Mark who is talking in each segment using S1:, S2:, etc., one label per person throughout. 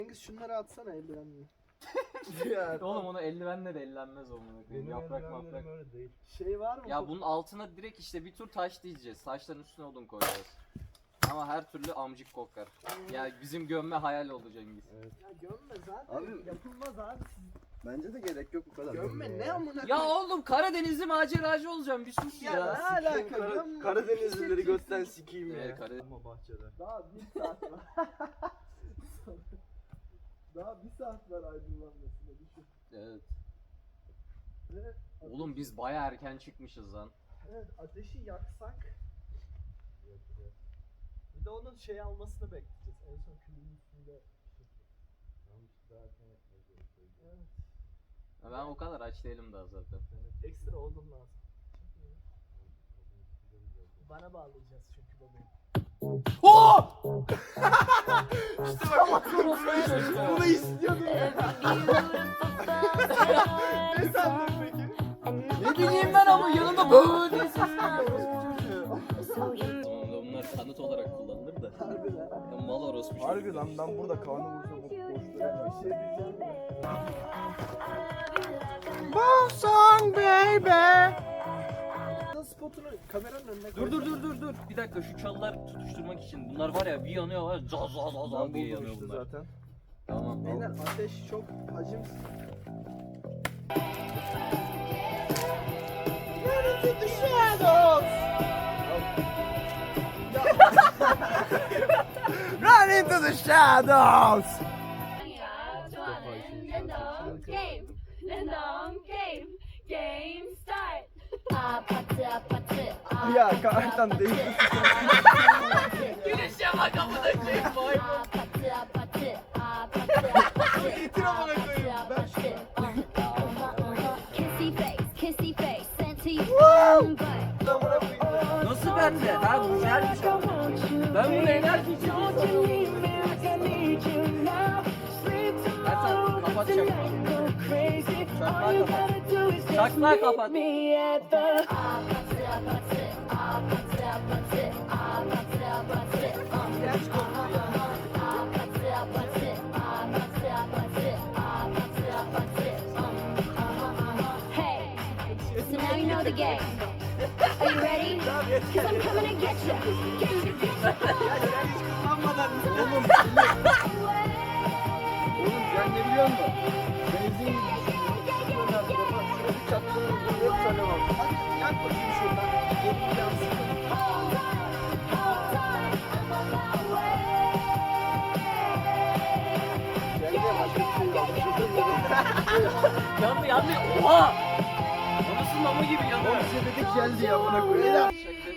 S1: Cengiz şunları atsana eldivenle.
S2: Oğlum onu eldivenle de ellenmez olmalı. Yaprak maprak.
S3: öyle değil.
S1: Şey var mı?
S2: Ya bunun altına direkt işte bir tur taş diyeceğiz. Taşların üstüne odun koyacağız. Ama her türlü amcık kokar. Ya bizim gömme hayal oldu Cengiz.
S3: Evet.
S1: Ya gömme zaten
S3: Abi-
S1: yapılmaz abi.
S3: Bence de gerek yok bu kadar.
S1: Gömme ne amına
S2: Ya oğlum Karadenizli maceracı olacağım bir sus
S1: Ya
S2: ya.
S1: ne alaka gömme.
S3: Karadenizlileri götten sikeyim ya.
S2: Karadeniz.
S3: Ama bahçede.
S1: Daha bir saat var. Daha bir saat var aydınlanmasına düşün.
S2: Evet.
S1: Evet,
S2: Oğlum biz baya erken çıkmışız lan.
S1: evet ateşi yaksak. Bir de onun şey almasını bekleyeceğiz. En son külün üstünde. Evet.
S2: Ya ben o kadar aç değilim daha zaten.
S1: Ekstra odun lazım. Bana bağlayacağız çünkü bebeğim. Bunu istiyordum ya. Ne sandın peki?
S2: Ne bileyim ben ama yanında böyle diye sesler. Tamam da bunlar kanıt olarak kullanılır da.
S1: Harbi lan.
S2: Ya mal orospu çocuğu.
S3: Harbi lan ben burada kanı vursam o boşluğa.
S1: Bir şey diyeceğim ya. Spotunu kameranın önüne koy.
S2: Dur. Bir dakika şu çalılar tutuşturmak için. Bunlar var ya bir yanıyor var. Zaz
S3: Ben
S2: diye
S3: buldum
S2: yanıyor
S3: işte
S2: bunlar.
S3: zaten.
S2: Tamam.
S1: Beyler ateş çok hacim.
S3: Run into the shadows.
S4: Game start.
S3: Ya kartan değil.
S2: Güneşe bak amına koyayım. Vay
S1: Getir amına koyayım. Ben
S4: Kissy face, sent to your
S2: Nasıl bende? Ha bu güzel bir şey. Ben bunu enerji için Ertan kapatacağım. Çakmağı kapat.
S4: Hey, so now you know the game. Are you ready? Cause I'm coming to get you. Get you, get
S3: Oğlum sen ne biliyor musun? Benzin gibi düşünüyorum. Bak şurada bir çatlığın hep tane var.
S1: hadi yak bakayım şuradan. Gelin yansın.
S3: Geldi başka bir şey yok.
S2: Yandı. Oha! Anasının amı gibi yanıyor.
S3: Oğlum size dedik geldi ya bana koyayım.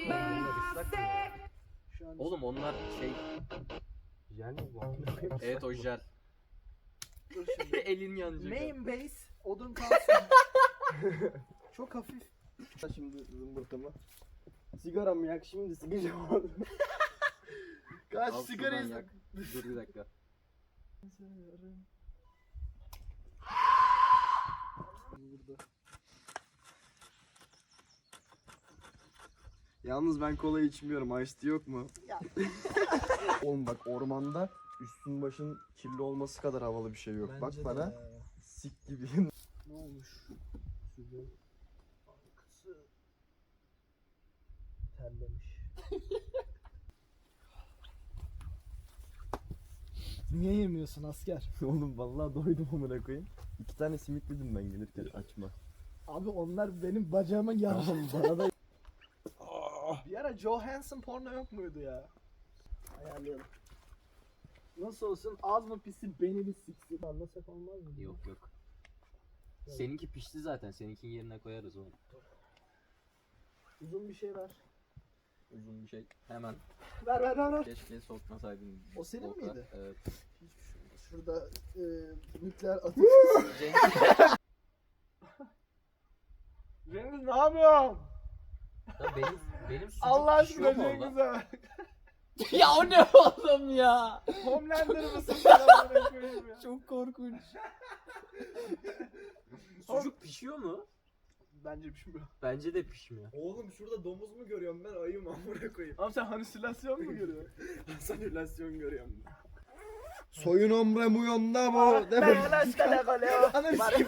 S1: Şu an
S2: Oğlum onlar şey,
S3: Jel mi bu?
S2: evet o jel.
S1: dur şimdi.
S2: Elin yanacak.
S1: Main base odun kalsın. Çok hafif.
S3: Şimdi zımbırtımı. Sigara mı yak şimdi sıkacağım.
S1: Kaç
S2: Al
S1: sigara
S2: şuradan
S1: yak.
S2: yak. Dur bir dakika.
S1: Burada.
S3: Yalnız ben kola içmiyorum. Ice tea yok mu?
S1: Ya.
S3: Oğlum bak ormanda üstün başın kirli olması kadar havalı bir şey yok.
S1: Bence
S3: bak
S1: de
S3: bana
S1: ya.
S3: sik gibi.
S1: Ne olmuş? Şurada. Arkası terlemiş. Niye yemiyorsun asker?
S3: Oğlum vallahi doydum amına koyayım. 2 tane simit dedim ben gelirken açma.
S1: Abi onlar benim bacağıma yarış.
S3: Tamam bana da
S1: Bir ara Johansson porno yok muydu ya? Ayarlayalım. Nasıl olsun az mı pisi beni mi siksin? Anlasak olmaz mı?
S2: Yok. Seninki pişti zaten. Seninkinin yerine koyarız onu.
S1: Uzun bir şey ver.
S2: Uzun bir şey. Hemen.
S1: Ver.
S2: Keşke sokmasaydın.
S1: O senin
S2: Volkan.
S1: miydi?
S2: Evet.
S1: Şurada nükleer atık.
S2: Cengiz.
S1: Cengiz ne yapıyorsun?
S2: Ya benim sucuk
S1: Allah
S2: pişiyor
S1: aşkına
S2: mu orada?
S1: Cengiz'e.
S2: Ya o ne oğlum ya?
S1: Homelander mısın sen amına koyayım ya?
S2: Çok korkunç. Sucuk pişiyor mu?
S1: Bence pişmiyor.
S2: Bence de pişmiyor.
S3: Oğlum şurada domuz mu görüyorum ben ayı mı amına koyayım.
S1: Abi sen halüsinasyon mu görüyorsun?
S3: Sanülasyon görüyorum. Soyun omre mu yonda mı?
S1: Ananı sikeyim.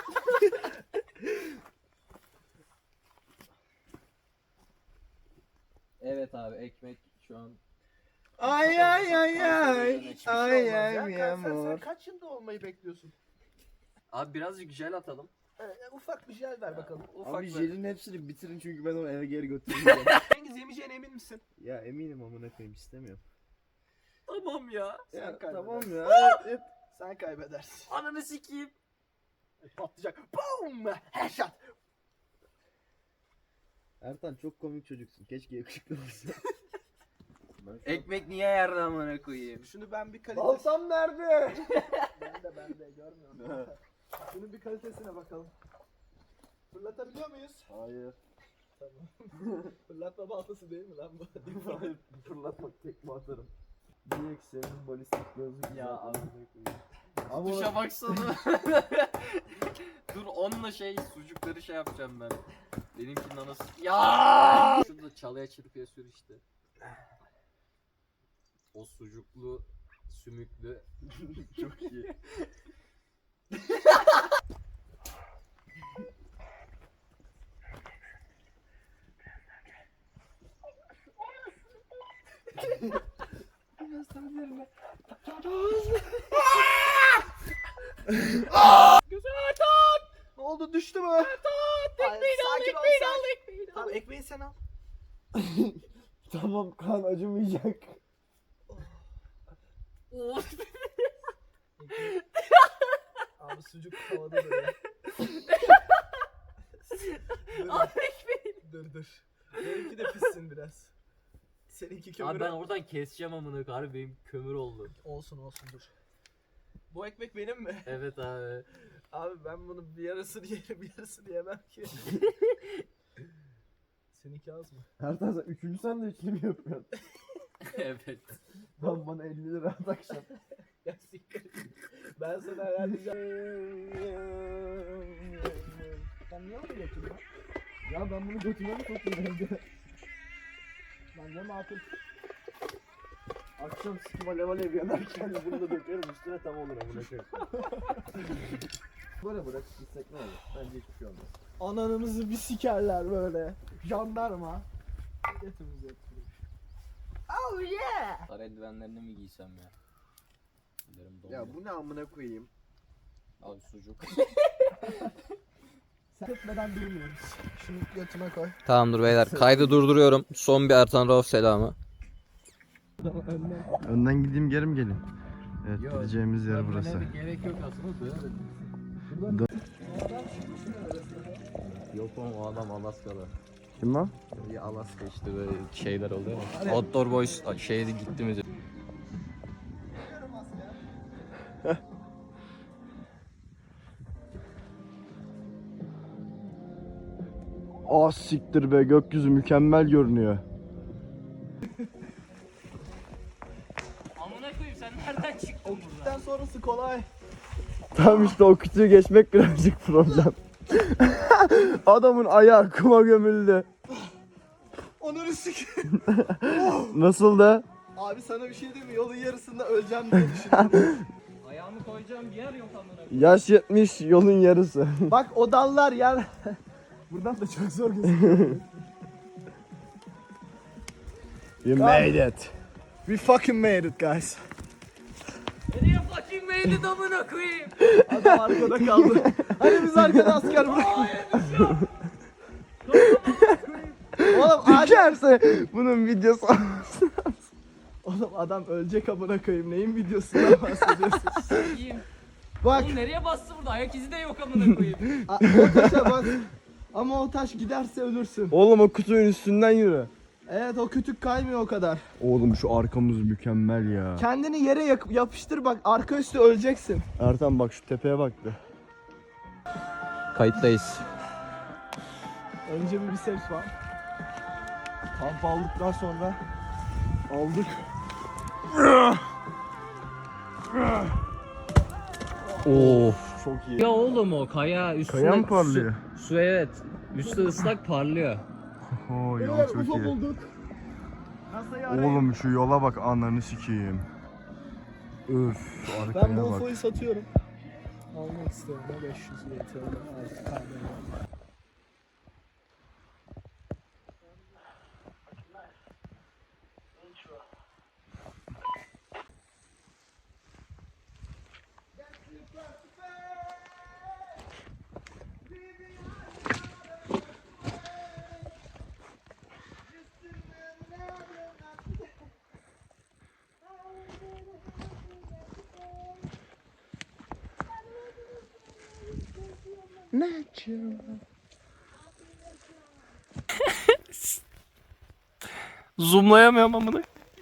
S2: Evet abi ekmek şu an.
S3: Ay ay ay ay.
S1: Hiçbir şey
S3: Ay
S1: olmaz ya.
S3: ay mi
S1: Sen
S3: amor.
S1: kaç yılda olmayı bekliyorsun?
S2: Abi birazcık jel atalım.
S1: Ufak bir jel ver bakalım.
S2: Ufak
S3: Abi
S2: bir-
S3: jelin hepsini bitirin çünkü ben onu eve geri götüreceğim.
S1: Cengiz yemeyeceğine emin misin?
S3: Ya eminim amına koyayım istemiyorum.
S2: Tamam ya.
S1: Sen
S3: Ya
S1: kaybedersin.
S3: tamam ya. Evet.
S1: Sen kaybedersin.
S2: Ananı sikeyim.
S1: Patlayacak. Boom! Headshot.
S3: Ertan çok komik çocuksun. Keşke yakışıklı olsa.
S2: Ekmek niye yerde amına koyayım?
S1: Şunu ben bir kalite...
S3: Balsam nerede?
S1: Ben de görmüyorum. Şunun bir kalitesine bakalım. Fırlatabiliyor muyuz?
S3: Hayır.
S1: Tamam. Fırlatma baltası değil mi lan bu?
S3: Hayır. Fırlatmak tekme atarım. Direkt senin balistik gözlük.
S2: Ya abi.
S3: Ama
S2: Duşa baksana. Dur onunla sucukları yapacağım ben. Benimkinin anası. Ya! Şurada çalıya çırpıya sür işte. O sucuklu, sümüklü.
S3: çok iyi.
S1: Ne oldu düştü mü? Ekmeğini al, ekmeğini al. Tamam ekmeği sen al.
S3: Tamam kan acımayacak.
S1: Abi sucuk havada duruyor.
S2: Al ekmeği.
S1: Dur. Benimki de pişsin biraz. Seninki kömür.
S2: Abi ben oradan keseceğim amına koyayım. Benim kömür oldu.
S1: Olsun dur. Bu ekmek benim mi?
S2: Evet abi.
S1: Abi ben bunu bir yarısını yerim bir yarısını yemem ki. Seninki az mı?
S3: Ertan sen 3. sandviçini mi yapıyorsun?
S2: Evet.
S3: Lan bana 50 lira at akşam.
S1: Ya siktir. Ben sana ayarlayacağım. Sen niye onu götürdün?
S3: Ya ben bunu götüme mi sokayım evde?
S1: Bence makul.
S3: Akşam sikim alev alev yanarken bunu da dökerim üstüne tam olur amına koyayım. Böyle bırakıp gitsek ne olur? Bence hiçbir şey olmaz.
S1: Ananımızı bir sikerler böyle. Jandarma. Götümüzü öptürür. Oh yeah!
S2: Sarı eldivenlerini mi giysem ya? Ellerim donuyor.
S3: Ya bu ne amına koyayım?
S2: Abi sucuk.
S1: Sen etmeden durmuyoruz. Şunu götüme koy.
S2: Tamamdır beyler. Kaydı durduruyorum. Son bir Ertan Rauf selamı.
S3: Önden gideyim geri mi geleyim? Evet
S2: Yok,
S3: gideceğimiz yer burası.
S2: Gerek yok aslında böyle. Yok oğlum o adam Alaska'da.
S3: Kim lan?
S2: Bir Alaska işte böyle şeyler oluyor ya. Outdoor Boys şeyde gittiniz.
S3: Ah siktir be gökyüzü mükemmel görünüyor.
S2: Amına koyayım sen nereden çıktın buradan?
S1: Gitten sonrası kolay.
S3: Tam işte o kütüğü geçmek birazcık problem. Adamın ayağı kuma gömüldü.
S1: Onları sik.
S3: Nasıl da?
S1: Abi sana bir şey diyeyim mi? Yolun yarısında öleceğim diye düşünüyorum.
S2: Ayağımı koyacağım bir yer yok amına koyayım.
S3: Yaş 70 yolun yarısı.
S1: Bak o dallar yer. Buradan da çok zor gözüküyor.
S3: You made it.
S1: We fucking made it guys.
S2: Nereye fucking meyli amına koyayım?
S1: Adam arkada kaldı. Hani biz arkada asker bıraktık. Oğlum
S3: Düşerse bunun videosu
S1: Oğlum adam ölecek amına koyayım. Neyin videosundan bahsediyorsun?
S2: İyiyim.
S1: Bak
S2: Oğlum nereye bastı burada? Ayak izi de yok amına koyayım.
S1: o taşa bak. Ama o taş giderse ölürsün.
S3: Oğlum o kutunun üstünden yürü.
S1: Evet o kütük kaymıyor o kadar.
S3: Oğlum şu arkamız mükemmel ya.
S1: Kendini yere yapıştır bak arka üstü öleceksin.
S3: Ertan bak şu tepeye bak be.
S2: Kayıttayız.
S1: Önce bir biceps var.
S3: Kamp aldıktan sonra aldık.
S2: Oo.
S3: Çok iyi.
S2: Ya oğlum o kaya üstünde
S3: Kaya mı parlıyor?
S2: Su evet. Üstü ıslak parlıyor.
S3: Oo yol
S1: Beyler
S3: çok
S1: UFO
S3: iyi.
S1: bulduk. NASA'yı arayın.
S3: Oğlum şu yola bak ananı sikeyim. Üf,
S1: Ben bu UFO'yu satıyorum. Almak istiyorum. 500 YTL. Artık kalmıyor.
S3: Zoomlayamıyorum amına.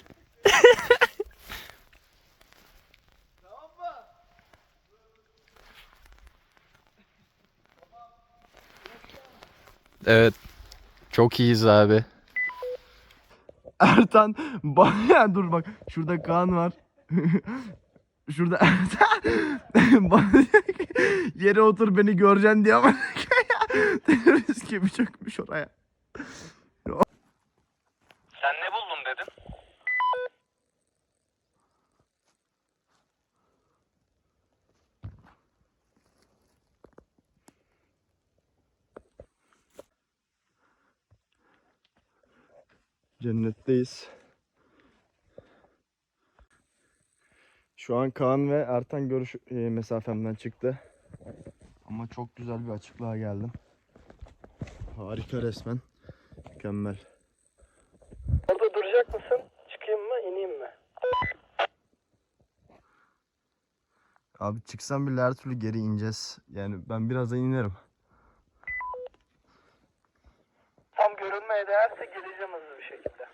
S2: Evet. Çok iyiyiz abi.
S3: Ertan bana dur bak şurada Kaan var. Şurada Ertan bana diyor ki, yere otur beni göreceksin diye ama terörist gibi çökmüş oraya.
S5: Sen ne buldun dedin?
S3: Cennetteyiz. Şu an Kaan ve Ertan görüş mesafemden çıktı. Ama çok güzel bir açıklığa geldim. Harika resmen. Mükemmel.
S1: Orada duracak mısın? Çıkayım mı? İneyim mi?
S3: Abi çıksam bile her türlü geri ineceğiz. Yani ben birazdan inerim.
S1: Tam görünmeye değerse geleceğim hızlı bir şekilde.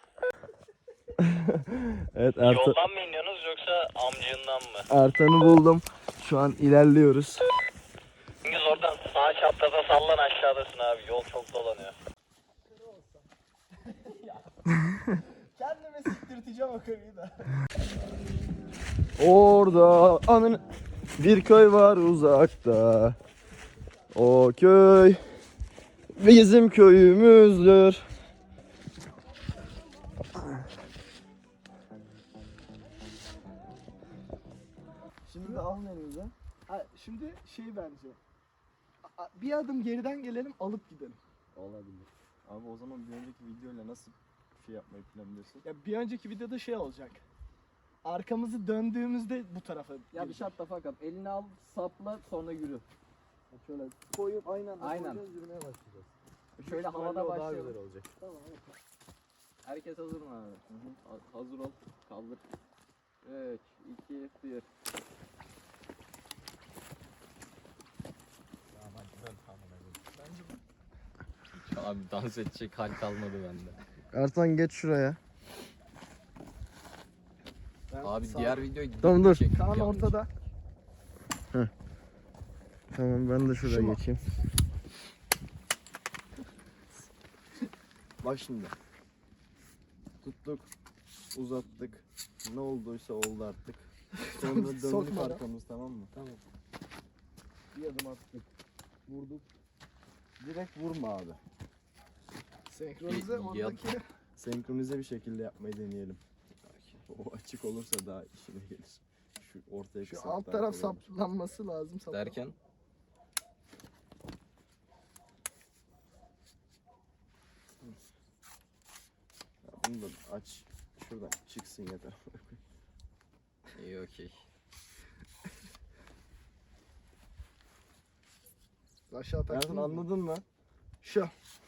S3: Evet Ertan.
S5: Yoldan mı iniyorsunuz yoksa amcığından mı?
S3: Ertan'ı buldum. Şu an ilerliyoruz.
S5: Cengiz oradan sağ çaprazda sallan aşağıdasın abi. Yol çok dolanıyor.
S1: Kendime siktirteceğim o karıyı da.
S3: Orada anın bir köy var uzakta. O köy bizim köyümüzdür.
S1: Şimdi al elimize. Şimdi şey bence. Bir adım geriden gelelim alıp gidelim.
S3: Olabilir. Abi o zaman bir önceki videoyla nasıl şey yapmayı planlıyorsun?
S1: Ya bir önceki videoda şey olacak. Arkamızı döndüğümüzde bu tarafa.
S2: Ya bir şart da fakat elini al, sapla, sonra yürü.
S1: Şöyle koyup aynen
S2: Aynen.
S1: yürümeye başlayacağız.
S2: Şöyle havada
S3: Daha
S2: başlayalım.
S3: güzel olacak.
S1: Tamam evet.
S2: Herkes hazır mı abi? Hazır ol. Kaldır. 3, 2, 1. Abi dans edecek hal kalmadı bende.
S3: Ertan geç şuraya.
S2: Abi diğer videoyu
S3: Tamam, dur.
S2: çektik
S1: Kaan
S2: yalnız.
S1: ortada.
S3: Tamam ben de şuraya
S1: Şu mu?
S3: geçeyim. Bak şimdi. Tuttuk, uzattık. Ne olduysa oldu artık. Sonra döndük
S1: Sokmadan.
S3: arkamız, tamam mı?
S1: Tamam.
S3: Bir adım attık. Vurduk. Direkt vurma abi.
S1: Senkronize
S2: Ya-
S1: oradaki.
S3: Senkronize bir şekilde yapmayı deneyelim. O açık olursa daha işine gelir. Şu ortaya
S1: Şu
S3: kısaltmak
S1: alt taraf
S3: kolay olur.
S1: saplanması lazım.
S2: Derken
S3: Ya bunu da aç. Şuradan çıksın yeter.
S2: iyi okey.
S1: Aşağı
S3: Ertan
S1: taktın mı?
S3: anladın mı?
S1: Şu.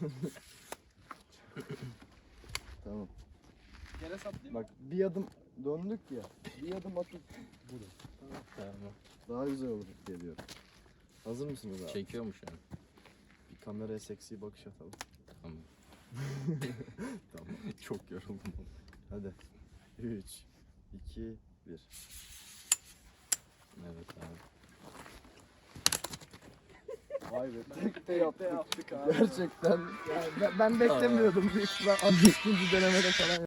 S3: Tamam.
S1: Yere saplayayım.
S3: Bak bir adım döndük ya. Bir adım atıp vurun.
S2: Tamam.
S3: Daha güzel olur diye diyorum. Hazır mısınız abi?
S2: Çekiyor mu şu an?
S3: Bir kameraya seksi bakış atalım.
S2: Tamam.
S3: Tamam. Çok yoruldum. Hadi. 3, 2, 1.
S2: Evet abi.
S3: Vay be.
S1: Tekte yaptık abi.
S3: Gerçekten.
S1: Yani ben beklemiyordum büyük ihtimal 60. denemede falan.